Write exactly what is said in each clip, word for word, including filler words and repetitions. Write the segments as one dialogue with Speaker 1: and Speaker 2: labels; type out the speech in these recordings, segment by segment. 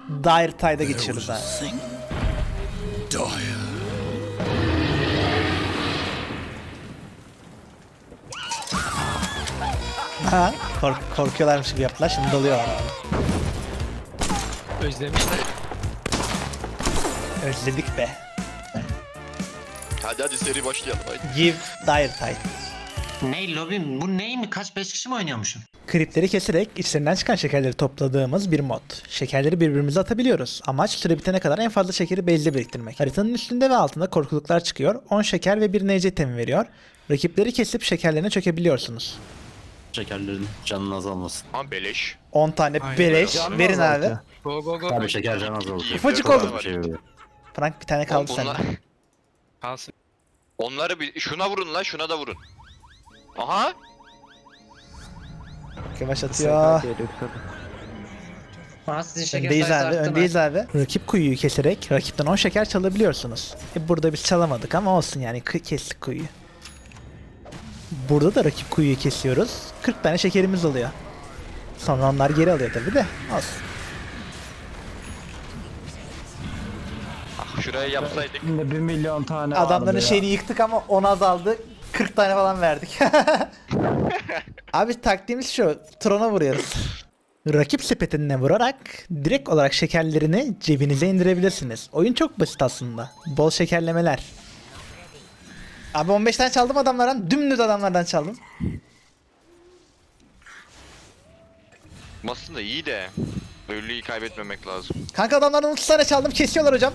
Speaker 1: Dire Tide'a geçiyoruz abi. Ha, kork korkuyorlarmış gibi yaptılar, şimdi dalıyorlar abi.
Speaker 2: Özlemişler.
Speaker 1: Özledik be.
Speaker 3: Hadi hadi seri başlayalım haydi.
Speaker 1: Give Dire Tide.
Speaker 4: Ney lobim? Bu ney mi? Kaç beş kişi mi oynuyormuşum?
Speaker 1: Kripleri keserek içlerinden çıkan şekerleri topladığımız bir mod. Şekerleri birbirimize atabiliyoruz. Amaç süre bitene kadar en fazla şekeri base'de biriktirmek. Haritanın üstünde ve altında korkuluklar çıkıyor. on şeker ve bir N C temi veriyor. Rakipleri kesip şekerlerine çökebiliyorsunuz.
Speaker 5: Şekerlerin canın azalmasın.
Speaker 3: Ama beleş.
Speaker 1: on tane
Speaker 2: Aynen.
Speaker 1: beleş
Speaker 6: Canım
Speaker 1: verin abi.
Speaker 6: azaltıyor.
Speaker 2: Go go go.
Speaker 5: Tabii şeker can azalır.
Speaker 1: Ufacık
Speaker 3: Dört
Speaker 1: oldu.
Speaker 3: var.
Speaker 5: Bir şey oluyor.
Speaker 1: Frank bir tane kaldı
Speaker 3: Bunlar,
Speaker 1: sende.
Speaker 2: Kalsın.
Speaker 3: onları bir şuna vurun lan şuna da vurun. Aha.
Speaker 1: Yavaş atıyor.
Speaker 4: Bana sizin şeker
Speaker 1: Öndeyiz
Speaker 4: sayısı
Speaker 1: abi,
Speaker 4: arttı mı?
Speaker 1: öndeyiz abi. Rakip kuyuyu keserek rakipten on şeker çalabiliyorsunuz. E burada biz çalamadık ama olsun yani, kı- kestik kuyuyu. Burada da rakip kuyuyu kesiyoruz. kırk tane şekerimiz oluyor. Sonra onlar geri alıyor tabi de. Olsun.
Speaker 3: Ah, şuraya yapsaydık.
Speaker 6: Şimdi bir milyon tane
Speaker 1: Adamların
Speaker 6: vardı ya.
Speaker 1: şeyini yıktık ama on azaldı. kırk tane falan verdik. Abi taktiğimiz şu. Tron'a vuruyoruz. Rakip sepetine vurarak direkt olarak şekerlerini cebinize indirebilirsiniz. Oyun çok basit aslında. Bol şekerlemeler. Abi on beş tane çaldım adamlardan. Dümdüz adamlardan çaldım.
Speaker 3: Aslında iyi de. Ölüyü kaybetmemek lazım.
Speaker 1: Kanka adamlardan otuz tane çaldım. Kesiyorlar hocam.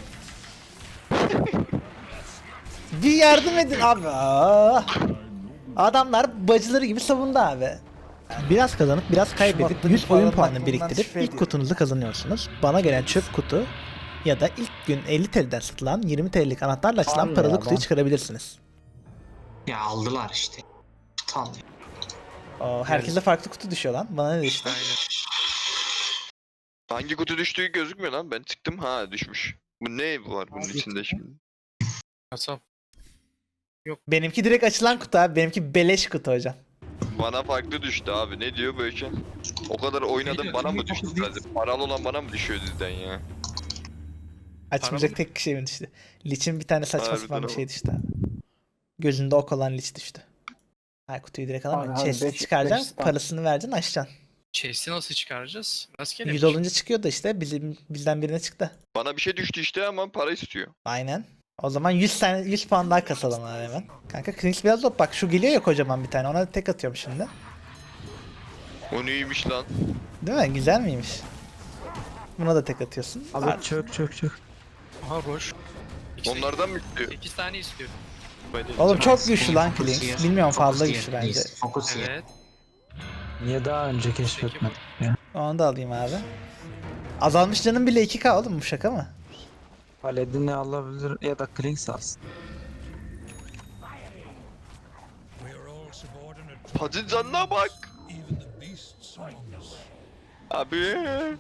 Speaker 1: Bir yardım edin abi. Aa. Adamlar bacıları gibi savundu abi. Biraz kazanıp biraz kaybedip yüz oyun puanı biriktirip ilk kutunuzu kazanıyorsunuz. Bana gelen çöp kutu ya da ilk gün elli T L'den satılan yirmi T L'lik anahtarla açılan
Speaker 6: Abi
Speaker 1: paralı
Speaker 6: ya,
Speaker 1: kutuyu
Speaker 6: ben-
Speaker 1: çıkarabilirsiniz.
Speaker 4: Ya aldılar işte. Aptal ya.
Speaker 1: Oo, herkese farklı kutu düşüyor lan. Bana ne düştü?
Speaker 2: Aynen.
Speaker 3: Hangi kutu düştüğü gözükmüyor lan. Ben tıktım ha düşmüş. Bu ne var bunun
Speaker 1: Hangi
Speaker 3: içinde
Speaker 1: kutu?
Speaker 3: şimdi?
Speaker 2: Kasap.
Speaker 1: Benimki direkt açılan kutu abi. Benimki beleş kutu hocam.
Speaker 3: Bana farklı düştü abi. Ne diyor böyle şey? O kadar oynadım bana mı düştü zaten? Paralı olan bana mı düşüyor dizden ya?
Speaker 1: Açmayacak
Speaker 2: mı?
Speaker 1: tek şey mi düştü? Liç'in bir tane saçma
Speaker 3: Harbiden
Speaker 1: sapan bir
Speaker 3: ama.
Speaker 1: şey düştü abi. Gözünde ok olan Liç düştü. Hayır, kutuyu direkt alamıyorsun.
Speaker 6: Abi, abi,
Speaker 1: Chest'i
Speaker 6: beş-
Speaker 1: çıkaracaksın,
Speaker 6: beş tane.
Speaker 1: parasını vereceksin, açacaksın.
Speaker 2: Chest'i nasıl çıkaracağız? Rastgele
Speaker 1: yüz
Speaker 2: mi?
Speaker 1: olunca çıkıyor da işte bizim bizden birine çıktı.
Speaker 3: Bana bir şey düştü işte ama para istiyor.
Speaker 1: Aynen. O zaman yüz tane yüz puan daha kasalım abi hemen. Kanka Kings biraz top bak, şu geliyor ya kocaman bir tane, ona tek atıyorum şimdi.
Speaker 3: O neymiş lan?
Speaker 1: Değil mi? Güzel miymiş? Buna da tek atıyorsun. Ar-
Speaker 6: Abi çök çök çök.
Speaker 2: Aha boş. İşte
Speaker 3: Onlardan mı istiyor?
Speaker 2: sekiz tane istiyorum.
Speaker 1: Oğlum çok güçlü
Speaker 4: Fokus
Speaker 1: lan
Speaker 4: yer,
Speaker 1: Kings. Bilmiyorum,
Speaker 4: fokus
Speaker 1: fazla
Speaker 4: yer,
Speaker 1: güçlü bence.
Speaker 4: please, fokus yer.
Speaker 2: Evet.
Speaker 6: Niye daha önce keşfetmedim ya?
Speaker 1: Onu da alayım abi. Azalmış canım bile iki K oğlum, bu şaka mı?
Speaker 6: Paladin'i alabilir ya da Klings alsın.
Speaker 3: Hacı canına bak. Abi.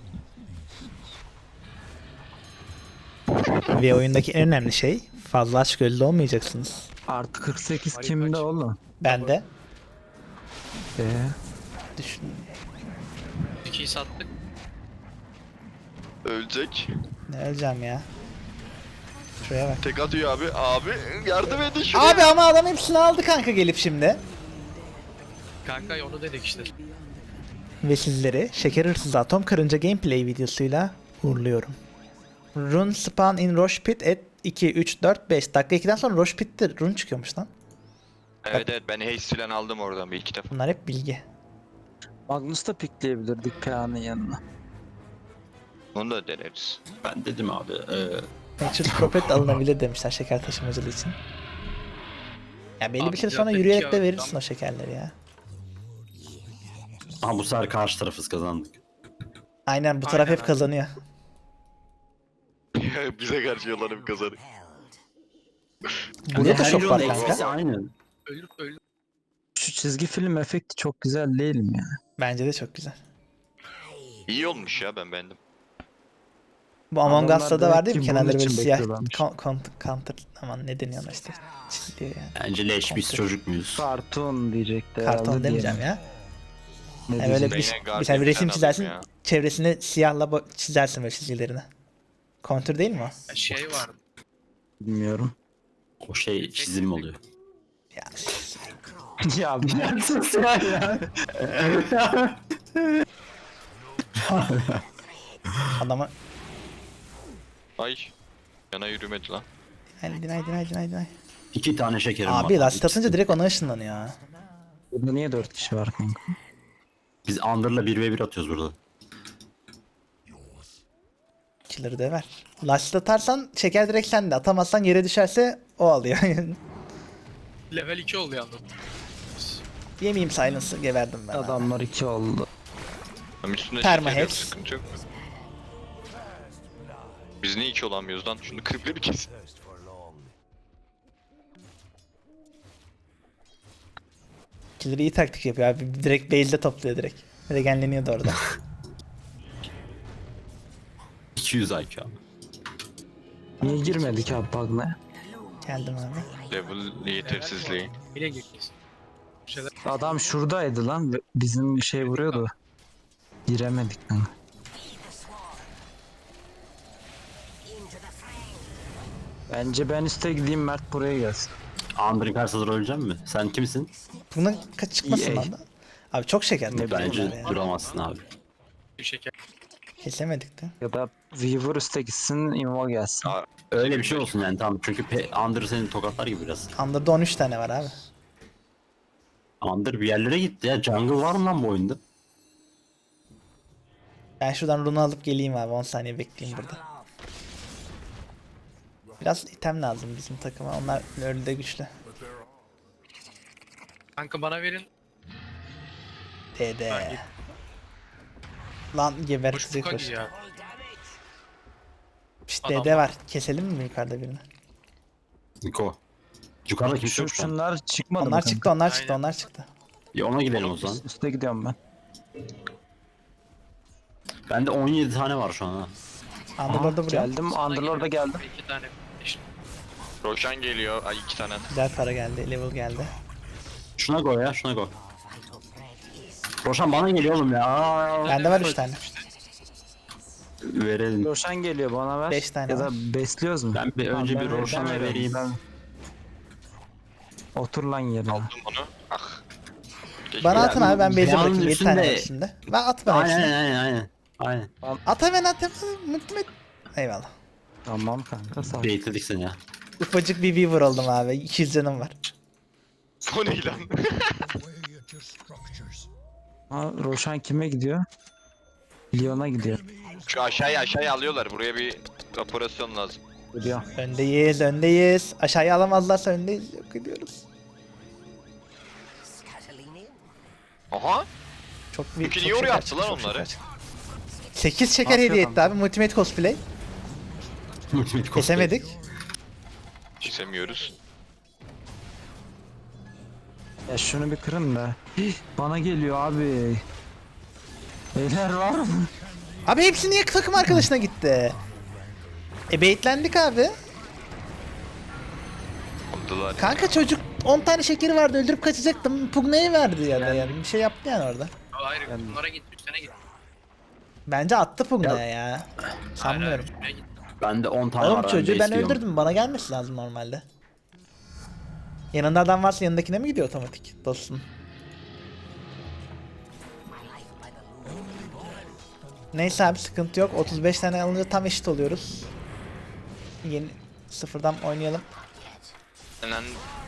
Speaker 1: Ve oyundaki en önemli şey, fazla açgözlü olmayacaksınız.
Speaker 6: Artı kırk sekiz
Speaker 2: Harika
Speaker 6: kimde
Speaker 2: açı.
Speaker 6: oğlum?
Speaker 1: Ben de
Speaker 6: Eee?
Speaker 1: düşün.
Speaker 2: ikiyi sattık.
Speaker 3: Ölecek.
Speaker 1: Ne öleceğim ya. Şuraya bak.
Speaker 3: Tek atıyor abi. Abi yardım edin şuraya.
Speaker 1: Abi ama adam hepsini aldı kanka gelip şimdi.
Speaker 2: Kanka onu dedik işte.
Speaker 1: Ve sizleri Şeker Hırsızı Atom Karınca gameplay videosuyla uğurluyorum. Rune spawn in Rosh Pit at iki, üç, dört, beş. Dakika ikiden sonra Rosh Pit'te rune çıkıyormuş lan.
Speaker 3: Evet evet ben haste falan aldım oradan bir iki defa.
Speaker 1: Bunlar hep bilgi.
Speaker 6: Magnus da pikleyebilirdik Kaya'nın yanına.
Speaker 3: Onu da deneriz.
Speaker 5: Ben dedim abi. E,
Speaker 1: Natural Prophet alınabilir demişler şeker taşımacılığı için. Ya belli
Speaker 2: Abi
Speaker 1: bir süre
Speaker 2: ya
Speaker 1: sonra
Speaker 2: peki
Speaker 1: yürüyerek
Speaker 2: ya,
Speaker 1: de verirsin
Speaker 2: tamam.
Speaker 1: o şekerleri ya.
Speaker 5: ama bu sefer karşı tarafız kazandık.
Speaker 1: Aynen, bu taraf
Speaker 2: Aynen
Speaker 1: hep
Speaker 2: abi.
Speaker 1: kazanıyor.
Speaker 3: Bize karşı yalanım kazanık.
Speaker 1: Burada da
Speaker 5: Her
Speaker 1: şok var
Speaker 5: yolun
Speaker 1: kanka.
Speaker 5: eksisi aynı.
Speaker 2: Ölür ölür.
Speaker 6: Şu çizgi film efekti çok güzel değil mi ya?
Speaker 1: Bence de çok güzel.
Speaker 3: İyi olmuş ya ben beğendim.
Speaker 1: Bu Among
Speaker 6: Adamlar
Speaker 1: Us'ta da
Speaker 6: demek
Speaker 1: var değil mi?
Speaker 6: ki
Speaker 1: Kenarları
Speaker 6: bunun
Speaker 1: böyle
Speaker 6: için
Speaker 1: siyah
Speaker 6: bekliyorlarmış.
Speaker 1: kon- kon- counter, aman ne deniyor ona işte. Çiziliyor yani.
Speaker 5: Bence leş biz
Speaker 1: Kontrol.
Speaker 5: çocuk muyuz?
Speaker 6: Karton diyecekti
Speaker 1: Karton
Speaker 6: herhalde
Speaker 1: demeyeceğim
Speaker 6: diyelim.
Speaker 1: ya.
Speaker 6: Ne
Speaker 1: Yani böyle
Speaker 6: diyecek?
Speaker 1: bir,
Speaker 3: Beyne guard
Speaker 1: mesela bir resim
Speaker 3: falan
Speaker 1: çizersin,
Speaker 3: alayım ya.
Speaker 1: çevresini siyahla bo- çizersin böyle çizgilerini. Kontür değil mi o?
Speaker 2: Şey vardı.
Speaker 6: Bilmiyorum.
Speaker 5: O şey çizim oluyor.
Speaker 1: Ya,
Speaker 6: Ya ben
Speaker 1: adama
Speaker 3: Ay. Yana yürümedi lan.
Speaker 1: Hadi dinay dinay dinay dinay.
Speaker 5: İki tane şekerim var.
Speaker 1: Abi lastik
Speaker 5: İkisi-
Speaker 1: atınca direkt ona ışınlanıyor ya.
Speaker 6: Burada niye dört kişi var kanka?
Speaker 5: Biz Under'la bir ve bir atıyoruz burada.
Speaker 1: Killer'ı döver. Lastik atarsan çeker direkt sende. Atamazsan yere düşerse o alıyor.
Speaker 2: Level iki oldu yalnız.
Speaker 1: Yemeyeyim silence'ı geberdim ben. abi.
Speaker 6: Adamlar iki oldu.
Speaker 3: Tam üstünde
Speaker 1: Perma
Speaker 3: şeker yok,
Speaker 1: Hex.
Speaker 3: sıkıntı yok. Biz niye iki olamıyoruz lan? Şunu kırıkları bir kesin.
Speaker 1: Killer iyi taktik yapıyor abi. Direkt base'de topluyor direkt. Regenleniyordu orada.
Speaker 5: iki yüz I Q abi.
Speaker 6: Niye girmedik abi bug'la?
Speaker 1: Geldim abi.
Speaker 3: Level yetersizliği.
Speaker 2: Yine gireceğiz. Bir şeyler
Speaker 6: Adam şuradaydı lan. Bizim bir şey vuruyordu. Giremedik kanka. Bence ben üste gideyim, Mert buraya gelsin.
Speaker 5: Under'ın karşısında öleceğim mi? Sen kimsin?
Speaker 1: Bunun kaç çıkmasın
Speaker 6: E A.
Speaker 1: abi. Abi çok şeker.
Speaker 6: Ne
Speaker 1: topluyorlar
Speaker 5: Bence
Speaker 1: ya.
Speaker 5: duramazsın abi.
Speaker 2: bir şeker.
Speaker 1: Kesemedik de.
Speaker 6: Ya da Weaver üste gitsin, Invo gelsin.
Speaker 3: Aa,
Speaker 5: Öyle bir şey olsun yani tamam. Çünkü pe- Under seni tokatlar gibi biraz.
Speaker 1: Under'da on üç tane var abi.
Speaker 5: Under bir yerlere gitti ya. Jungle var mı lan bu oyunda?
Speaker 1: Ben şuradan runu alıp geleyim abi. on saniye bekleyeyim burada. Biraz item lazım bizim takıma. Onlar öyle de güçlü.
Speaker 2: Kanka bana verin.
Speaker 1: Dede. Lan
Speaker 2: Boş
Speaker 1: gebertecek
Speaker 2: buka
Speaker 1: boş.
Speaker 2: gidiyor.
Speaker 1: Şşt
Speaker 2: Adam
Speaker 1: dede
Speaker 2: var.
Speaker 1: var. Keselim mi yukarıda birini?
Speaker 5: Niko. Yukarıda kimse
Speaker 6: Şu,
Speaker 5: yok şu an.
Speaker 6: şunlar çıkmadı mı
Speaker 1: Onlar
Speaker 6: kanka?
Speaker 1: çıktı, onlar çıktı,
Speaker 2: Aynen.
Speaker 1: onlar çıktı.
Speaker 5: Ya ona gidelim o zaman.
Speaker 6: Üste gidiyorum ben.
Speaker 5: Bende on yedi tane var şu an ha.
Speaker 1: Underlord'da vuruyor.
Speaker 6: Geldim, Underlord'a geldim.
Speaker 2: İki tane. İşte.
Speaker 3: Roshan geliyor. Ay iki tane.
Speaker 1: Güzel para geldi, level geldi.
Speaker 5: Şuna go ya şuna go. Roşan bana geliyor oğlum ya. Aa,
Speaker 1: Bende var üç tane.
Speaker 5: verelim.
Speaker 6: Roşan geliyor, bana ver.
Speaker 1: Beş tane
Speaker 6: Ya da
Speaker 1: var.
Speaker 6: besliyoruz mu?
Speaker 5: Ben bir önce
Speaker 6: Tamam,
Speaker 5: bir
Speaker 6: ben- ben
Speaker 5: Roşan'a
Speaker 6: veriyorum,
Speaker 5: vereyim.
Speaker 6: ben- Otur lan yerine.
Speaker 3: Aldım onu. Ah. Geç
Speaker 1: Bana
Speaker 3: ya.
Speaker 1: atın abi, ben base'e
Speaker 5: Dünyanın
Speaker 1: bırakayım. yedi tane var
Speaker 5: üstünde-
Speaker 1: üstünde. Ben at bana
Speaker 5: Aynen
Speaker 1: hepsini.
Speaker 5: aynen aynen. Aynen.
Speaker 1: At hemen at hemen. Mutlu et. Eyvallah.
Speaker 6: Tamam kanka, sağ ol.
Speaker 5: Baitledik seni ya.
Speaker 1: Ufacık bir Weaver oldum abi. iki yüz canım var.
Speaker 3: O ne lan?
Speaker 6: Ha, Roşan kime gidiyor? Lyon'a gidiyor.
Speaker 3: Şu aşağıya aşağıya alıyorlar. Buraya bir operasyon lazım.
Speaker 6: Gidiyor.
Speaker 1: Öndeyiz, öndeyiz. Aşağıya alamazlarsa öndeyiz. Yok ediyoruz.
Speaker 3: Aha.
Speaker 1: Çok bir
Speaker 3: Peki
Speaker 1: çok
Speaker 3: niye oraya
Speaker 1: şeker
Speaker 3: attılar
Speaker 1: çıktı, çok
Speaker 3: onları?
Speaker 1: şeker çıktı. sekiz şeker
Speaker 6: Atıyor
Speaker 1: hediye etti
Speaker 6: kanka.
Speaker 1: abi. Multimate cosplay.
Speaker 5: Ultimate cosplay.
Speaker 1: Kesemedik.
Speaker 3: Çizemiyoruz.
Speaker 6: Ya şunu bir kırın da. Hih, bana geliyor abi. Beyler var mı?
Speaker 1: Abi hepsi niye takım arkadaşına gitti? E baitlendik abi.
Speaker 3: Aldılar.
Speaker 1: Kanka çocuk on tane şekeri vardı, öldürüp kaçacaktım. Pugna'yı verdi ya da yani. Bir şey yaptı yani orada.
Speaker 2: Hayır bunlara git. Üstüne git.
Speaker 1: Bence attı Pugna'ya ya.
Speaker 2: Hayır,
Speaker 1: Sanmıyorum.
Speaker 2: hayır, üstüne git.
Speaker 5: Bende on tane
Speaker 1: Oğlum
Speaker 5: var.
Speaker 1: çocuğu ben
Speaker 5: besliyorum.
Speaker 1: öldürdüm. Bana gelmesi lazım normalde. Yanında adam varsa yanındakine mi gidiyor otomatik dostum? Neyse abi sıkıntı yok. otuz beş tane alınca tam eşit oluyoruz. Yeni sıfırdan oynayalım.
Speaker 3: Lan.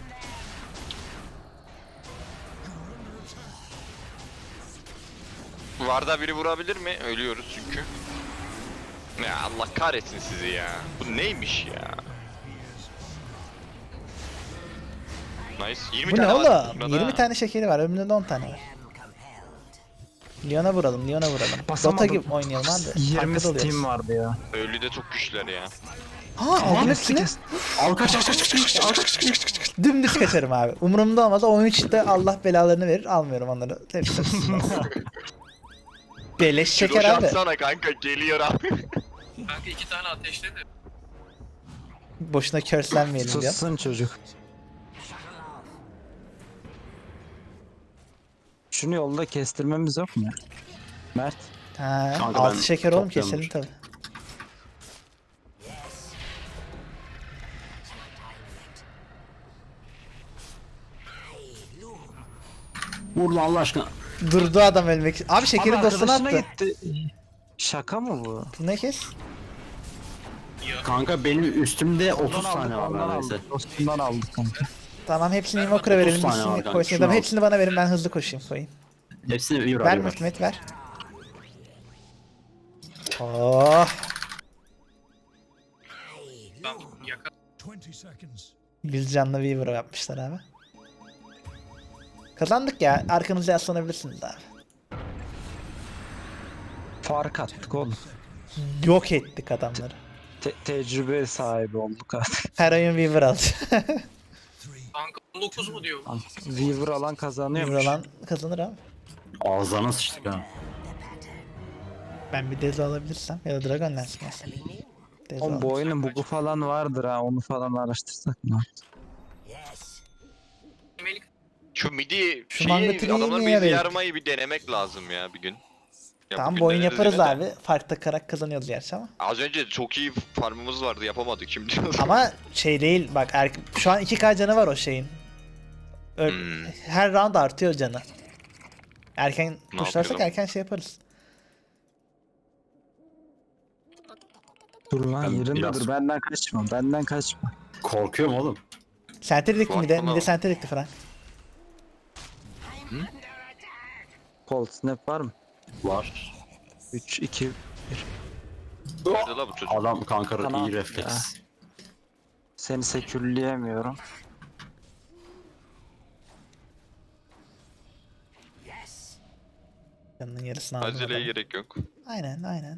Speaker 3: Varda biri vurabilir mi? Ölüyoruz çünkü. Ya Allah kahretsin sizi ya. Bu neymiş ya? Nice. yirmi
Speaker 1: Bu ne
Speaker 3: tane var
Speaker 1: oğlum?
Speaker 3: burada.
Speaker 1: yirmi tane şekeri var. Önümde de on tane var. Lyon'a vuralım, Lyon'a vuralım. Dota
Speaker 6: Basamadım.
Speaker 1: gibi oynayalım abi.
Speaker 6: yirmi
Speaker 1: Farklı da oluyoruz.
Speaker 6: Steam vardı ya.
Speaker 3: Ölü de çok güçlüler ya.
Speaker 1: Ha aldım hepsini.
Speaker 5: Al kaç kaç kaç kaç kaç kaç kaç kaç kaç.
Speaker 1: Dümdüz kaçarım abi. Umurumda olmaz. O üçte Allah belalarını verir. Almıyorum onları. Hepsi. Beleş şeker
Speaker 3: Şeker
Speaker 1: abi.
Speaker 3: atsana kanka geliyor abi.
Speaker 2: Kanka iki tane ateşledi.
Speaker 1: Boşuna curse'lenmeyelim diyor.
Speaker 6: Sussun çocuk. Şunu yolda kestirmemiz yok mu? Mert.
Speaker 1: Ha,
Speaker 5: Kanka
Speaker 1: altı
Speaker 5: ben
Speaker 1: şeker oğlum
Speaker 5: topluyorum.
Speaker 1: keselim tabi.
Speaker 5: Vur lan Allah aşkına.
Speaker 1: Durdu adam ölmek için. Abi şekerin
Speaker 6: Abi
Speaker 1: dostuna
Speaker 6: arkadaşına
Speaker 1: attı.
Speaker 6: gitti. Şaka mı bu?
Speaker 1: Ne kes?
Speaker 5: Kanka benim üstümde otuz
Speaker 6: Ondan
Speaker 5: tane
Speaker 6: aldık,
Speaker 5: var
Speaker 6: ondan
Speaker 5: neredeyse.
Speaker 6: aldık. Dostundan aldık kanka.
Speaker 1: Tamam hepsini
Speaker 2: Ver
Speaker 1: Invoker'a
Speaker 2: bak,
Speaker 1: verelim.
Speaker 5: otuz tane var
Speaker 1: Hepsini
Speaker 5: kanka,
Speaker 1: koysun.
Speaker 5: şunu
Speaker 1: Tamam
Speaker 5: al.
Speaker 1: hepsini bana verin ben hızlı koşayım koyayım.
Speaker 5: Hepsini bir
Speaker 1: Ver
Speaker 5: ver.
Speaker 1: Mehmet ver. Oh.
Speaker 2: Ben yaka
Speaker 1: Yüz canlı Weaver yapmışlar abi. Kazandık ya. Arkanıza yaslanabilirsiniz abi.
Speaker 6: Fark attık oğlum.
Speaker 1: Yok ettik adamları.
Speaker 6: Te- tecrübe sahibi olduk artık.
Speaker 1: Her oyun Weaver aldı.
Speaker 2: kanka on dokuz mu diyor?
Speaker 6: Weaver alan kazanıyormuş.
Speaker 1: Weaver alan kazanır abi.
Speaker 5: Ağzına sıçtık ha.
Speaker 1: Ben bir Dezo alabilirsem ya da Dragon Lance mesela. Dezo
Speaker 6: Oğlum bu
Speaker 1: alırım.
Speaker 6: oyunun bugu falan vardır ha, onu falan araştırsak mı?
Speaker 2: Melik
Speaker 3: Şu midi
Speaker 1: Şu manga
Speaker 3: şeyi
Speaker 1: triyi
Speaker 3: adamlar
Speaker 1: niye
Speaker 3: bizi
Speaker 1: verin?
Speaker 3: yarmayı bir denemek lazım ya bir gün. Ya
Speaker 1: Tamam
Speaker 3: bugün
Speaker 1: bu oyun
Speaker 3: deneriz
Speaker 1: yaparız
Speaker 3: yine de.
Speaker 1: abi. Farklı karak kazanıyoruz gerçi ama.
Speaker 3: Az önce çok iyi farmımız vardı yapamadık şimdi.
Speaker 1: Ama şey değil bak er, şu an iki K canı var o şeyin. Ö-
Speaker 3: Hmm.
Speaker 1: Her round artıyor canı. Erken
Speaker 3: Ne
Speaker 1: tuşlarsak
Speaker 3: yapıyordum?
Speaker 1: erken şey yaparız.
Speaker 6: Dur lan
Speaker 5: Ben
Speaker 6: yerinde
Speaker 5: biraz-
Speaker 6: dur, benden kaçma, benden kaçma.
Speaker 5: Korkuyorum oğlum.
Speaker 1: Center dikti mi de?
Speaker 3: Korkma
Speaker 1: Mi de
Speaker 3: lan.
Speaker 1: center dikti Frank.
Speaker 6: Cold snap var mı?
Speaker 5: Var.
Speaker 6: üç, iki,
Speaker 3: Nerede la bu çocuk?
Speaker 5: Adam kanka
Speaker 6: Tamam.
Speaker 5: iyi refleks.
Speaker 6: seni sekürleyemiyorum.
Speaker 1: Canının yarısını aldım.
Speaker 3: Aceleye
Speaker 1: adamın.
Speaker 3: gerek yok.
Speaker 1: Aynen aynen.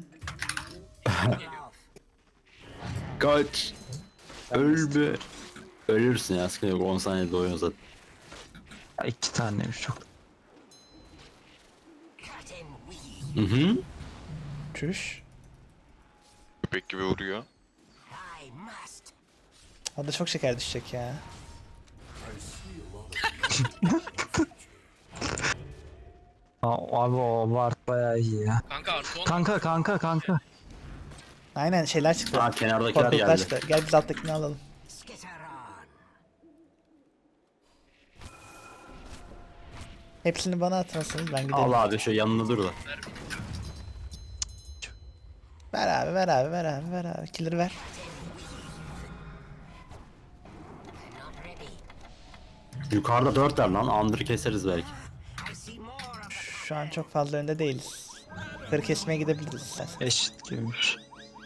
Speaker 5: Kaç. Ölme. Ölürsün ya sıkıntı yok on saniyede oyun zaten.
Speaker 6: Ya iki taneymiş çok.
Speaker 5: Hı hı.
Speaker 1: Çüş.
Speaker 3: Köpek gibi vuruyor.
Speaker 1: O da çok şeker düşecek ya.
Speaker 6: Aa, abi o Ward bayağı iyi ya.
Speaker 2: kanka artı on.
Speaker 6: Kanka kanka kanka.
Speaker 1: Aynen şeyler çıktı.
Speaker 5: Ha kenardakiler
Speaker 1: Korkuluklar
Speaker 5: geldi.
Speaker 1: çıktı. Gel biz alttakini alalım. Hepsini bana atmasınız ben gidelim.
Speaker 5: Al abi şu yanında dur da.
Speaker 1: Ver abi ver abi ver abi ver abi. Killer ver.
Speaker 5: Yukarıda dört ver lan. Under'ı keseriz belki.
Speaker 1: Şu an çok fazla önde değiliz. Kır kesmeye gidebiliriz istersen.
Speaker 6: Eşit gibiymiş.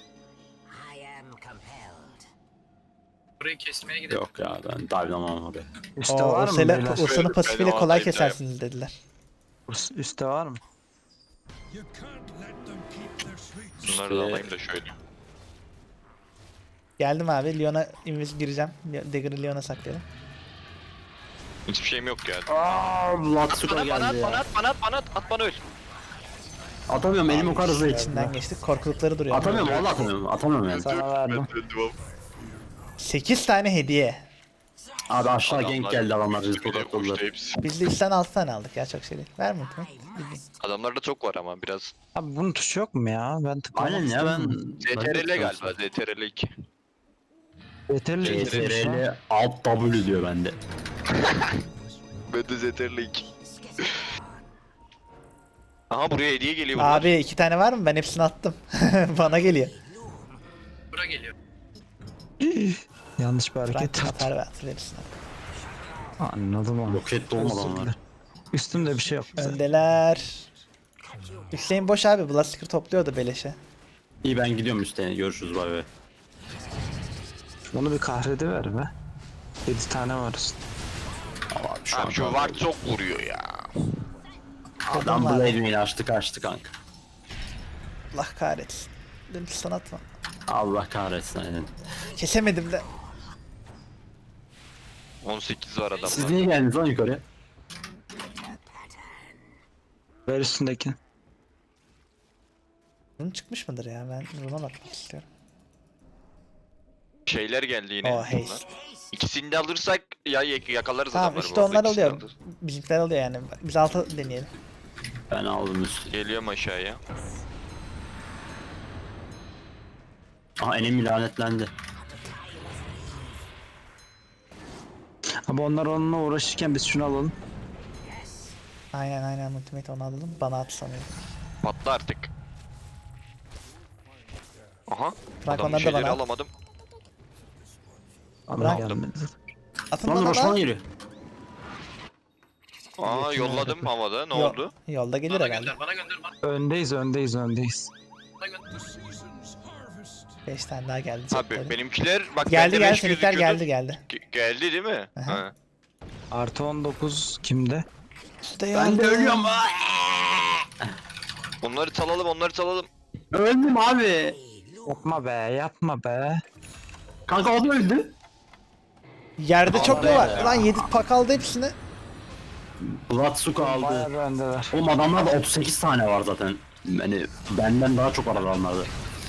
Speaker 2: Burayı kesmeye gidelim.
Speaker 5: Yok ya ben dive'lamam oraya.
Speaker 6: Üste
Speaker 1: Oo,
Speaker 6: var mı
Speaker 1: Ursa'yla-
Speaker 6: beyler?
Speaker 1: Ursa'nın
Speaker 3: Benim
Speaker 1: pasifiyle kolay
Speaker 3: altayım
Speaker 1: kesersiniz dediler.
Speaker 6: Urs- Üste var mı?
Speaker 3: Bunları da alayım da şöyle.
Speaker 1: Geldim abi. Lyon'a invis gireceğim. Dagger'ı Lyon'a saklayalım.
Speaker 3: Hiçbir şeyim yok ya.
Speaker 5: Aaa Latsuka
Speaker 3: Bana bana at
Speaker 5: geldi
Speaker 3: bana
Speaker 5: ya.
Speaker 3: at bana at bana at at bana öl.
Speaker 5: Atamıyorum elim o kadar hızlı içinde.
Speaker 1: İçinden geçtik. Korkulukları duruyor.
Speaker 5: Atamıyorum valla atamıyorum. Atamıyorum yani.
Speaker 6: Sana verdim.
Speaker 1: sekiz tane hediye.
Speaker 5: Abi aşağı
Speaker 3: Adamlar
Speaker 5: gank geldi adamlar bizi
Speaker 3: üstüne koştu
Speaker 5: tokatladılar.
Speaker 3: hepsi.
Speaker 1: Biz de üçten altı tane aldık ya çok şey değil. Ver mi lütfen?
Speaker 3: Adamlarda çok var ama biraz.
Speaker 6: Abi bunun tuşu yok mu ya? Ben tıklamak
Speaker 5: Aynen ya ben...
Speaker 6: istemiyorum.
Speaker 3: Z T R L galiba Z T R L iki.
Speaker 6: Yeterli
Speaker 5: C
Speaker 6: değilmiş
Speaker 5: T
Speaker 6: ya.
Speaker 5: R L alt W diyor bende.
Speaker 3: Ben de Z T R L iki. Aha buraya hediye geliyor.
Speaker 1: Abi iki tane var mı? Ben hepsini attım. Bana geliyor.
Speaker 2: Bura geliyor.
Speaker 6: Yanlış bir hareket
Speaker 1: Frank
Speaker 6: yaptım.
Speaker 1: atar ve atır hepsini.
Speaker 6: Anladım onu.
Speaker 5: Roket dolmadı onlar.
Speaker 6: Üstümde bir şey yok.
Speaker 1: Öndeler. Hüseyin boş abi. Blastiker topluyordu beleşe.
Speaker 5: İyi ben gidiyorum üstüne görüşürüz bay bay.
Speaker 6: Bunu bir kahrediver be. yedi tane var üstünde.
Speaker 5: Abi şu
Speaker 3: Abi
Speaker 5: an
Speaker 3: şu var çok vuruyor ya.
Speaker 5: adam
Speaker 1: var.
Speaker 5: Blade Mail açtı kaçtı kanka.
Speaker 1: Allah kahretsin. Dedim sana atma.
Speaker 5: Allah kahretsin aynen.
Speaker 1: Kesemedim de.
Speaker 3: on sekiz var
Speaker 5: Siz
Speaker 3: adamlar.
Speaker 5: niye geldiniz lan yukarıya?
Speaker 6: Ver üstündeki.
Speaker 1: Bunun çıkmış mıdır ya? Ben buna bakmak istiyorum.
Speaker 3: Şeyler geldi yine.
Speaker 1: Oh hey.
Speaker 3: bunlar. İkisini de alırsak ya yak- yakalarız
Speaker 1: Tamam
Speaker 3: adamları.
Speaker 1: işte
Speaker 3: bu arada,
Speaker 1: onlar
Speaker 3: ikisini
Speaker 1: oluyor.
Speaker 3: alırız.
Speaker 1: Bizimkiler oluyor yani. Biz altı deneyelim.
Speaker 5: Ben aldım üstü.
Speaker 3: Geliyorum aşağıya.
Speaker 5: Aha enemi lanetlendi.
Speaker 6: Abi onlar onunla uğraşırken biz şunu alalım.
Speaker 1: Aynen aynen ultimate onu alalım. Bana at sanıyorum.
Speaker 3: Patla artık. Aha.
Speaker 1: Bırak
Speaker 3: Adamın
Speaker 1: onları da
Speaker 3: şeyleri
Speaker 1: bana.
Speaker 3: alamadım.
Speaker 6: Allah
Speaker 1: Bırak.
Speaker 6: gelmedi.
Speaker 1: Atın
Speaker 5: Lan
Speaker 1: bana
Speaker 5: Roşman
Speaker 1: da.
Speaker 5: geliyor.
Speaker 3: Aa yolladım havada. Ne
Speaker 1: Yo-
Speaker 3: oldu?
Speaker 1: Yolda gelir
Speaker 2: Bana
Speaker 1: herhalde.
Speaker 2: gönder, bana gönder, bana
Speaker 6: Öndeyiz öndeyiz öndeyiz.
Speaker 2: gönder.
Speaker 1: beş tane daha geldi.
Speaker 3: Abi
Speaker 1: cepleri.
Speaker 3: benimkiler bak
Speaker 1: Geldi
Speaker 3: bende
Speaker 1: geldi
Speaker 3: beş
Speaker 1: seninkiler
Speaker 3: gözüküyordu.
Speaker 1: geldi geldi.
Speaker 3: Ge- geldi değil mi?
Speaker 1: Aha.
Speaker 3: Ha.
Speaker 6: Artı on dokuz kimde?
Speaker 1: İşte
Speaker 5: Ben de ölüyorum.
Speaker 3: Onları salalım, onları salalım.
Speaker 5: Öldüm abi.
Speaker 6: Yapma be yapma be.
Speaker 5: Kanka o da öldü.
Speaker 1: Yerde çok mu var? Lan yedi pak aldı hepsini.
Speaker 5: Blatsuka aldı.
Speaker 6: Bayağı bir öndeler.
Speaker 5: Oğlum adamlarda otuz sekiz tane var zaten. Yani benden daha çok var adamlarda.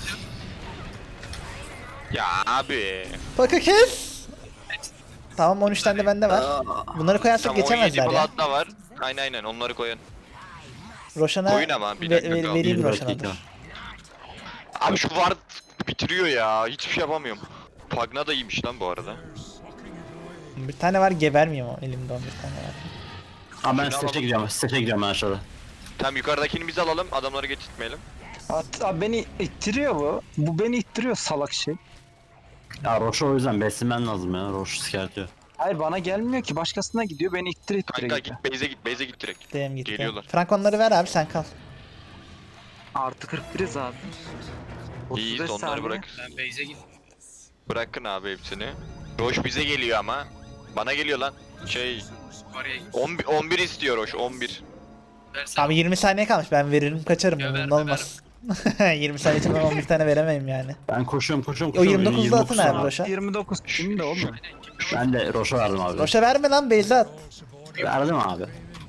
Speaker 3: Ya abi.
Speaker 1: Pakı kes. Tamam on üç tane de bende var. Bunları koyarsak
Speaker 3: Tamam on yedi
Speaker 1: geçemezler ya.
Speaker 3: plat da var. Aynen aynen onları koyun.
Speaker 1: Roşan'a
Speaker 3: Koyun ama, bir
Speaker 1: ve-
Speaker 3: dakika
Speaker 1: ve-
Speaker 3: kaldı.
Speaker 1: vereyim
Speaker 5: Bir
Speaker 1: Roşan'a
Speaker 5: dakika.
Speaker 1: dur.
Speaker 3: Abi şu var bitiriyor ya. Hiçbir şey yapamıyorum. Pagna da iyiymiş lan bu arada.
Speaker 1: Bir tane var gebermeyeyim o elimde on bir tane var.
Speaker 5: Aa ben
Speaker 3: Şunu
Speaker 5: stage
Speaker 3: alalım.
Speaker 5: gidiyorum. Stage gidiyorum ben aşağıda.
Speaker 3: Tamam yukarıdakini biz alalım. Adamları getirtmeyelim.
Speaker 6: At, abi beni ittiriyor bu. Bu beni ittiriyor salak şey.
Speaker 5: Ya Roş'u o yüzden beslemen lazım ya. Roş sikertiyor.
Speaker 6: Hayır bana gelmiyor ki başkasına gidiyor beni ittire ittire
Speaker 3: Kanka
Speaker 6: gidiyor.
Speaker 3: git base'e git base'e git direkt.
Speaker 1: Gideyim gitti.
Speaker 3: Geliyorlar.
Speaker 1: Frank onları ver abi sen kal.
Speaker 6: Artı kırk biriz abi.
Speaker 3: İyi
Speaker 6: otuz beş
Speaker 3: onları
Speaker 6: saniye.
Speaker 3: bırak.
Speaker 2: Ben base'e git.
Speaker 3: Bırakın abi hepsini. Roş bize geliyor ama. Bana geliyor lan. Şey
Speaker 2: Oraya git.
Speaker 3: on bir, on bir istiyor Roş on bir.
Speaker 2: Versene.
Speaker 1: Abi yirmi saniye kalmış ben veririm kaçarım
Speaker 2: Ya
Speaker 1: umurumda
Speaker 2: verme,
Speaker 1: olmaz. yirmi saniye için ben on bir tane veremeyim yani.
Speaker 5: Ben koşuyorum koşuyorum
Speaker 1: O
Speaker 5: koşuyorum.
Speaker 1: yirmi dokuzda atın
Speaker 5: tane
Speaker 1: abi
Speaker 5: var.
Speaker 1: Roş'a.
Speaker 6: yirmi dokuz kimde oğlum?
Speaker 2: Aynen, kim-
Speaker 5: Ben de Roş'a verdim abi.
Speaker 1: Roş'a verme lan Beyza at.
Speaker 5: Verdim abi.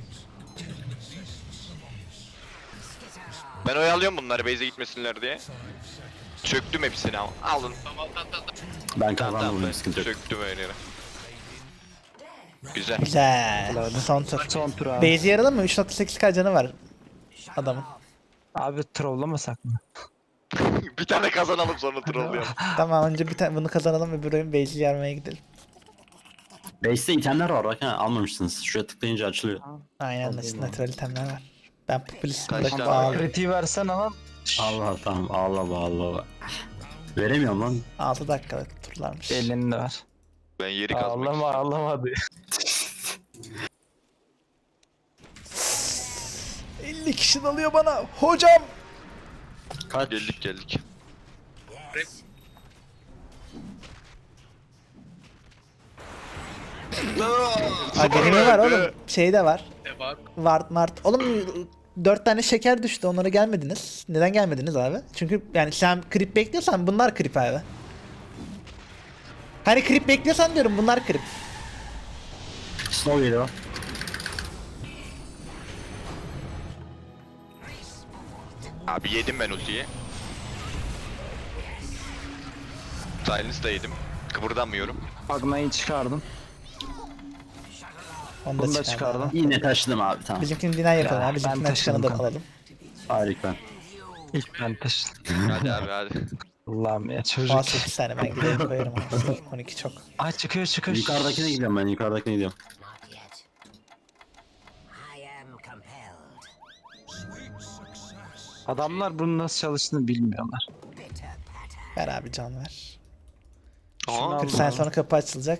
Speaker 3: Ben oyalıyorum bunları base'e gitmesinler diye. Çöktüm hepsini ama. Alın.
Speaker 2: Tamam, tamam, tamam.
Speaker 5: Ben
Speaker 3: Tamam
Speaker 5: kazandım
Speaker 3: tamam
Speaker 5: bunu sıkıntı yok.
Speaker 3: çöktüm öyle yere. Güzel.
Speaker 1: Güzel. Son tur.
Speaker 6: Son tur abi.
Speaker 1: Base'i yaralım mı? üç nokta sekiz k canı var adamın.
Speaker 6: Abi trollamasak mı?
Speaker 3: Bir tane kazanalım sonra trollüyorum.
Speaker 1: Tamam önce bir tane bunu kazanalım öbür oyun base'i yarmaya gidelim.
Speaker 5: Base'te itemler var bak ha almamışsınız. Şuraya tıklayınca açılıyor.
Speaker 1: Aynen natural itemler var. Ben popülist
Speaker 3: Kaç
Speaker 1: bırakıp
Speaker 3: tane var?
Speaker 1: ağladım.
Speaker 6: Kritiği versen ama.
Speaker 5: Allah tamam Allah Allah. Veremiyorum lan.
Speaker 1: altı dakikalık turlarmış.
Speaker 6: Elinde var.
Speaker 3: Ben yeri kazmak
Speaker 6: Ağlama
Speaker 3: istiyorum.
Speaker 6: ağlama diyor.
Speaker 1: elli kişi dalıyor bana. Hocam.
Speaker 5: Kaç?
Speaker 3: Geldik geldik.
Speaker 2: Rap.
Speaker 1: Ay benim var oğlum. Şey de var.
Speaker 2: E bak.
Speaker 1: Vart mart. Oğlum dört tane şeker düştü onlara gelmediniz. Neden gelmediniz abi? Çünkü yani sen krip bekliyorsan bunlar krip abi. Hani krip bekliyorsan diyorum bunlar krip.
Speaker 5: Snow geliyor.
Speaker 3: Abi yedim ben ultiyi. Silence da yedim. Kıpırdamıyorum.
Speaker 6: Agna'yı çıkardım.
Speaker 1: Onu
Speaker 6: Bunu da
Speaker 1: da çıkardım.
Speaker 6: çıkardım.
Speaker 5: Yine taşıdım abi tamam.
Speaker 1: Bizimkini dinen yapalım
Speaker 6: Ya,
Speaker 1: abi.
Speaker 6: ben
Speaker 1: Bizimkinden çıkanı da
Speaker 6: taşıdım kanka.
Speaker 1: alalım.
Speaker 5: Harika.
Speaker 6: İlk ben taşıdım.
Speaker 3: Hadi abi hadi.
Speaker 6: Allah'ım ya
Speaker 1: on
Speaker 6: çocuk.
Speaker 1: sekiz tane ben gidelim koyarım. abi. on iki çok.
Speaker 6: Ay çıkıyor çıkıyor.
Speaker 5: Yukarıdakine gidiyorum ben yukarıdakine gidiyorum.
Speaker 7: Not yet. I am compelled.
Speaker 6: Adamlar bunun nasıl çalıştığını bilmiyorlar.
Speaker 7: Bitter patter.
Speaker 1: Ver abi can ver.
Speaker 3: Aha.
Speaker 1: kırk saniye sonra kapı açılacak.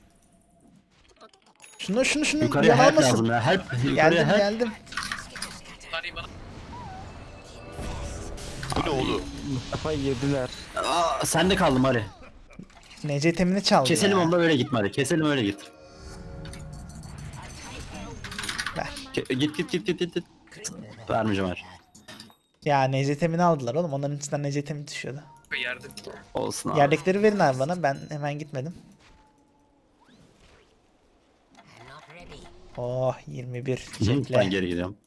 Speaker 1: Şunu şunu şunu
Speaker 5: Yukarıya
Speaker 1: yan
Speaker 5: help
Speaker 1: almasın.
Speaker 5: lazım ya. Help. Yukarıya
Speaker 1: Geldim
Speaker 5: help.
Speaker 1: geldim.
Speaker 2: Tarihi bana.
Speaker 3: Bu ne oğlum?
Speaker 6: Mustafa yediler.
Speaker 5: Aa, sen de kaldım hadi.
Speaker 1: N C temini çaldı
Speaker 5: Keselim
Speaker 1: ya.
Speaker 5: onu da öyle gitme hadi. Keselim öyle git.
Speaker 1: Ver.
Speaker 5: Ke- git git git git git. git. Vermeyeceğim hadi.
Speaker 1: Ya N C temini aldılar oğlum. Onların içinden N C temi düşüyordu.
Speaker 2: Yerde.
Speaker 5: Olsun abi.
Speaker 1: Yerdekileri verin abi bana. Ben hemen gitmedim.
Speaker 7: I'm not ready.
Speaker 1: Oh yirmi bir
Speaker 5: Hı,
Speaker 1: çiçekle.
Speaker 5: ben geri gidiyorum.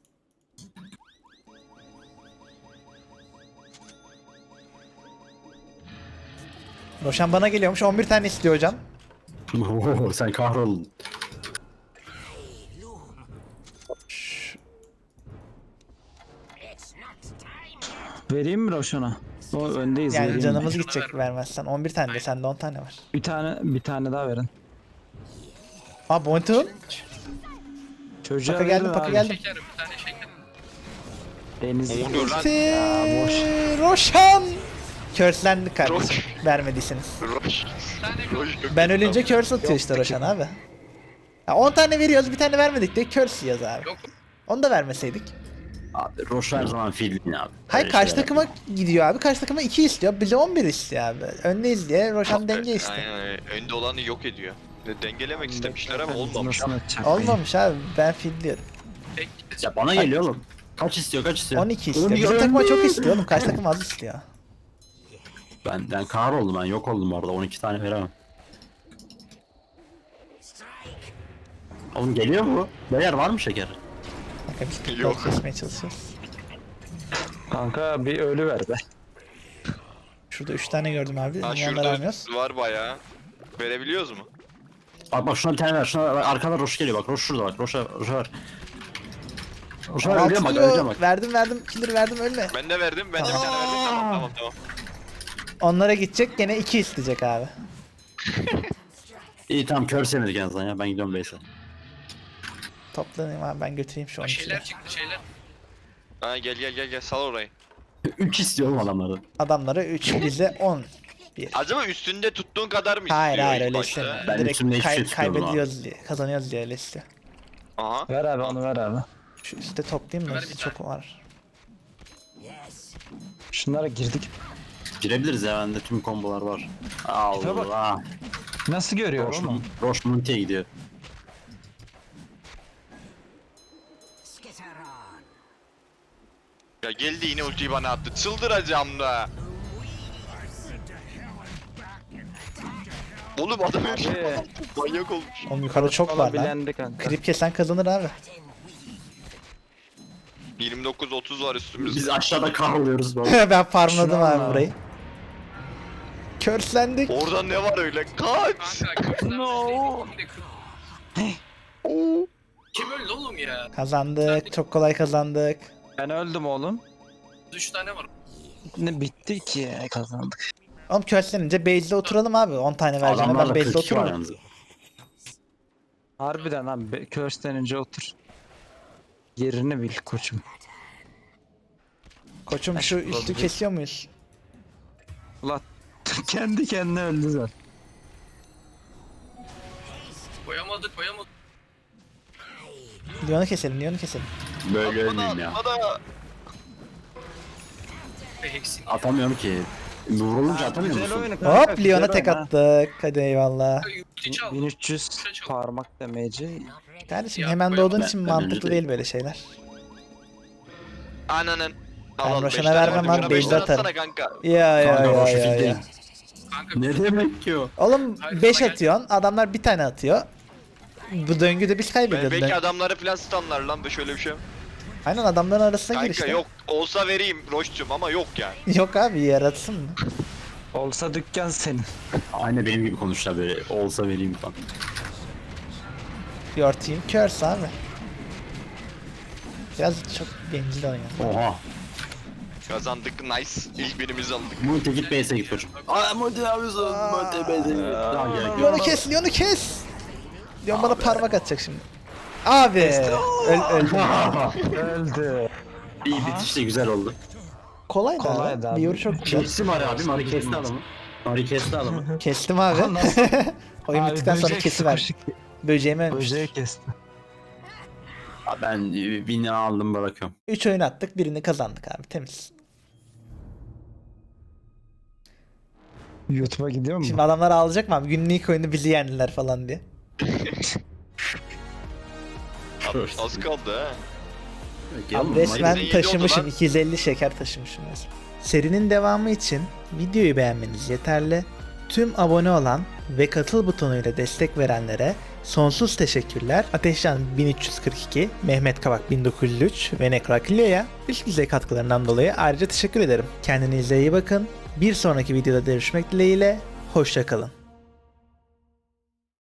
Speaker 1: Roşan bana geliyormuş. on bir tane istiyor hocam.
Speaker 5: Oo, sen kahroldun.
Speaker 7: It's not time.
Speaker 6: Vereyim mi Roşan'a? O öndeyiz.
Speaker 1: Yani
Speaker 6: vereyim.
Speaker 1: canımız
Speaker 2: Şuna
Speaker 1: gidecek
Speaker 2: ver.
Speaker 1: vermezsen. on bir tane de sende on tane var.
Speaker 6: Bir tane bir tane daha verin.
Speaker 1: Aa Bontu.
Speaker 6: Çocuğa
Speaker 1: Paka geldi,
Speaker 6: verin
Speaker 1: paka
Speaker 6: abi.
Speaker 1: geldi.
Speaker 2: Şeker bir tane şeker.
Speaker 6: Deniz.
Speaker 3: Ne oluyor lan?
Speaker 1: Ulti.
Speaker 6: boş.
Speaker 1: Roşan. Curse'lendik kardeşim.
Speaker 3: Roş.
Speaker 1: Vermediyseniz.
Speaker 3: Roş.
Speaker 2: Bir tane
Speaker 3: Roş yok.
Speaker 1: Ben ölünce curse atıyor işte Roşan abi. Ya on tane veriyoruz bir tane vermedik diye curse yiyoruz abi.
Speaker 2: Yok.
Speaker 1: Onu da vermeseydik.
Speaker 5: Abi Roş her zaman filmin abi.
Speaker 1: Hayır
Speaker 5: Öyle
Speaker 1: karşı
Speaker 5: şeyler.
Speaker 1: takıma gidiyor abi. Karşı takıma iki istiyor. Bize on bir istiyor abi. Öndeyiz diye Roşan denge istiyor.
Speaker 3: Aynen öyle. Önde olanı yok ediyor. De- Dengelemek istemişler ama olmamış.
Speaker 6: Nasıl atacak?
Speaker 1: Olmamış abi. Ben fil diyorum.
Speaker 2: Tek
Speaker 5: Ya bana geliyor oğlum. Kaç istiyor kaç istiyor?
Speaker 1: on iki istiyor.
Speaker 5: Oğlum,
Speaker 1: Bizim
Speaker 5: ya
Speaker 1: takıma çok
Speaker 5: önde.
Speaker 1: istiyor oğlum. Karşı takım az istiyor.
Speaker 5: Ben, ben kahroldum ben yok oldum orada on iki tane veremem. Oğlum geliyor mu? Beyler var mı şeker?
Speaker 1: Kanka biz pitbull
Speaker 3: Yok.
Speaker 1: kesmeye çalışıyoruz.
Speaker 6: Kanka bir ölü ver be.
Speaker 1: Şurada üç tane gördüm abi.
Speaker 3: Ha
Speaker 1: Yanları
Speaker 3: şurada
Speaker 1: almıyoruz.
Speaker 3: var bayağı. Verebiliyoruz mu?
Speaker 5: Bak bak şuna bir tane ver. Şuna bak, arkada Roş geliyor bak. Roş şurada bak. Roş'a Roş'a ver. Roş'a ver öleceğim bak
Speaker 1: Altılıyor.
Speaker 5: öleceğim bak.
Speaker 1: Verdim verdim. Killer verdim ölme.
Speaker 3: Ben de verdim. Ben de bir tane verdim. Tamam tamam tamam.
Speaker 1: Onlara gidecek gene iki isteyecek abi.
Speaker 5: İyi tamam kör semedik en azından ya. Ben gidiyorum base'e.
Speaker 1: Toplanayım abi ben götüreyim şu on
Speaker 2: şeyler
Speaker 1: ikiyi.
Speaker 2: çıktı şeyler.
Speaker 3: Ha gel gel gel gel sal orayı.
Speaker 5: üç istiyorum adamlardan.
Speaker 1: Adamlara üç bize on. Bir.
Speaker 3: Acaba üstünde tuttuğun kadar mı istiyor?
Speaker 1: Hayır hayır
Speaker 3: ilk
Speaker 1: öyle
Speaker 3: başta?
Speaker 1: istemiyor.
Speaker 5: Ben
Speaker 1: Direkt
Speaker 5: içimde hiçbir
Speaker 1: kay-
Speaker 5: şey tutmuyordum
Speaker 1: kaybediyoruz diye, kazanıyoruz diye öyle istiyor.
Speaker 3: Aha.
Speaker 6: Ver abi onu ver abi.
Speaker 1: Şu üstte toplayayım
Speaker 2: Ver
Speaker 1: da
Speaker 2: bir
Speaker 1: çok var.
Speaker 7: Yes.
Speaker 6: Şunlara girdik.
Speaker 5: Girebiliriz ya bende tüm kombolar var. Allah.
Speaker 6: Nasıl görüyor
Speaker 5: Roş,
Speaker 6: oğlum?
Speaker 5: Roş Munti'ye gidiyor.
Speaker 7: Skitter on.
Speaker 3: Ya geldi yine ultiyi bana attı. Çıldıracağım da. Oğlum adam her şey
Speaker 6: Abi.
Speaker 3: manyak olmuş.
Speaker 1: Oğlum yukarıda çok var lan.
Speaker 6: Bilendi kanka.
Speaker 1: Krip kesen kazanır abi.
Speaker 3: yirmi dokuz otuz var üstümüzde.
Speaker 5: Biz aşağıda kahroluyoruz böyle.
Speaker 1: Ben farmladım
Speaker 6: Şunu
Speaker 1: abi
Speaker 6: al
Speaker 1: burayı. Körslendik.
Speaker 3: Orada ne var öyle? Kaç!
Speaker 2: Kanka kırklar
Speaker 6: No.
Speaker 3: Oo.
Speaker 2: Kim öldü oğlum ya?
Speaker 1: Kazandık. Çok kolay kazandık.
Speaker 6: Ben öldüm oğlum.
Speaker 2: Üç tane var.
Speaker 6: Ne bitti ki kazandık.
Speaker 1: Oğlum körslenince base'de oturalım abi. on tane vereceğim ben
Speaker 5: Adamlarla
Speaker 1: base'de
Speaker 5: kırk iki var
Speaker 1: otururum.
Speaker 5: yalnız.
Speaker 6: Harbiden abi Curse'den önce otur. Yerini bil koçum.
Speaker 1: Koçum şu üstü kesiyor muyuz?
Speaker 6: Ulan kendi kendine öldü zaten.
Speaker 2: Koyamadık koyamadık.
Speaker 1: Leon'u keselim, Leon'u keselim.
Speaker 5: Böyle ölmeyeyim ya.
Speaker 3: Bana
Speaker 2: Hexin.
Speaker 5: Atamıyorum ki. Vurulunca atamıyor
Speaker 6: Güzel
Speaker 5: musun?
Speaker 6: oyunu kanka,
Speaker 1: Hop
Speaker 6: güzel
Speaker 1: Leon'a tek
Speaker 6: oyun ha.
Speaker 1: attık. Hadi eyvallah.
Speaker 2: Ulti çal.
Speaker 6: bin üç yüz parmak damage'i.
Speaker 7: Not ready.
Speaker 1: Kardeşim
Speaker 2: Ya,
Speaker 1: hemen
Speaker 2: koyalım.
Speaker 1: doğduğun
Speaker 5: Ben-
Speaker 1: için
Speaker 5: ben
Speaker 1: mantıklı
Speaker 5: önce
Speaker 1: değil böyle şeyler.
Speaker 3: ananın.
Speaker 1: Ben
Speaker 3: beş
Speaker 1: Roşan'a
Speaker 3: tane
Speaker 1: vermem
Speaker 3: vardı,
Speaker 1: abi,
Speaker 3: bana beş
Speaker 1: base'de
Speaker 3: tane
Speaker 1: atarım.
Speaker 3: atsana kanka.
Speaker 1: Ya ya
Speaker 5: Kanka
Speaker 1: ya
Speaker 5: Roş'u
Speaker 1: ya
Speaker 5: fil
Speaker 1: ya.
Speaker 5: değil.
Speaker 2: Kanka
Speaker 5: Ne demek ki o?
Speaker 1: Oğlum
Speaker 2: Hayır,
Speaker 1: beş
Speaker 2: sana gel.
Speaker 1: atıyorsun, adamlar bir tane atıyor. Bu döngüde biz
Speaker 3: Be-
Speaker 1: kaybediyoruz.
Speaker 3: belki
Speaker 1: Dön-
Speaker 3: adamları falan stunlar lan be şöyle bir şey.
Speaker 1: Aynen adamların arasına gir
Speaker 3: Kanka
Speaker 1: işte.
Speaker 3: yok olsa vereyim Roş'cum ama yok yani.
Speaker 1: Yok abi yaratsın mı?
Speaker 6: Olsa dükkan senin.
Speaker 5: Aynı benim gibi konuşlar böyle. Olsa vereyim falan.
Speaker 1: Your team curse abi. Biraz çok bencil oynuyor.
Speaker 5: Oha.
Speaker 3: Kazandık nice. İlk birimizi aldık.
Speaker 5: Munti git base'e git koçum. Aa Munti ne yapıyorsun? Munti base'e git. Daha gerek yok.
Speaker 1: Leon'u kes, Leon'u kes. Leon bana parmak atacak şimdi. Abi. Öl, öldüm.
Speaker 6: Öldü.
Speaker 5: İyi bitiş de güzel oldu.
Speaker 1: Kolaydı,
Speaker 6: Kolaydı
Speaker 1: abi.
Speaker 6: abi.
Speaker 1: Bir yoru çok güzel.
Speaker 5: Kesti Mari abi. Mari kesti adamı. Mari kesti adamı.
Speaker 1: Kestim abi. Oyun
Speaker 6: Abi
Speaker 1: bittikten sonra
Speaker 6: böcek
Speaker 1: kesiver.
Speaker 6: sıkışık.
Speaker 1: Böceğimi ölmüş.
Speaker 6: Böceği kesti.
Speaker 5: Abi ben win'i aldım bırakıyorum.
Speaker 1: üç oyun attık, birini kazandık abi. Temiz.
Speaker 6: YouTube'a gidiyor mu?
Speaker 1: Şimdi adamlar ağlayacak mı abi? Günlük oyunu bizi yendiler falan diye.
Speaker 3: Az kaldı ha.
Speaker 1: Abi resmen
Speaker 3: Mari-
Speaker 1: taşımışım.
Speaker 3: lan.
Speaker 1: iki yüz elli şeker taşımışım resmen. Serinin devamı için videoyu beğenmeniz yeterli. Tüm abone olan ve katıl butonuyla destek verenlere sonsuz teşekkürler. Ateşcan bin üç yüz kırk iki, Mehmet Kavak bin dokuz yüz üç ve Nekrakilyo'ya üst düzey katkılarından dolayı ayrıca teşekkür ederim. Kendinize iyi bakın. Bir sonraki videoda görüşmek dileğiyle. Hoşça kalın.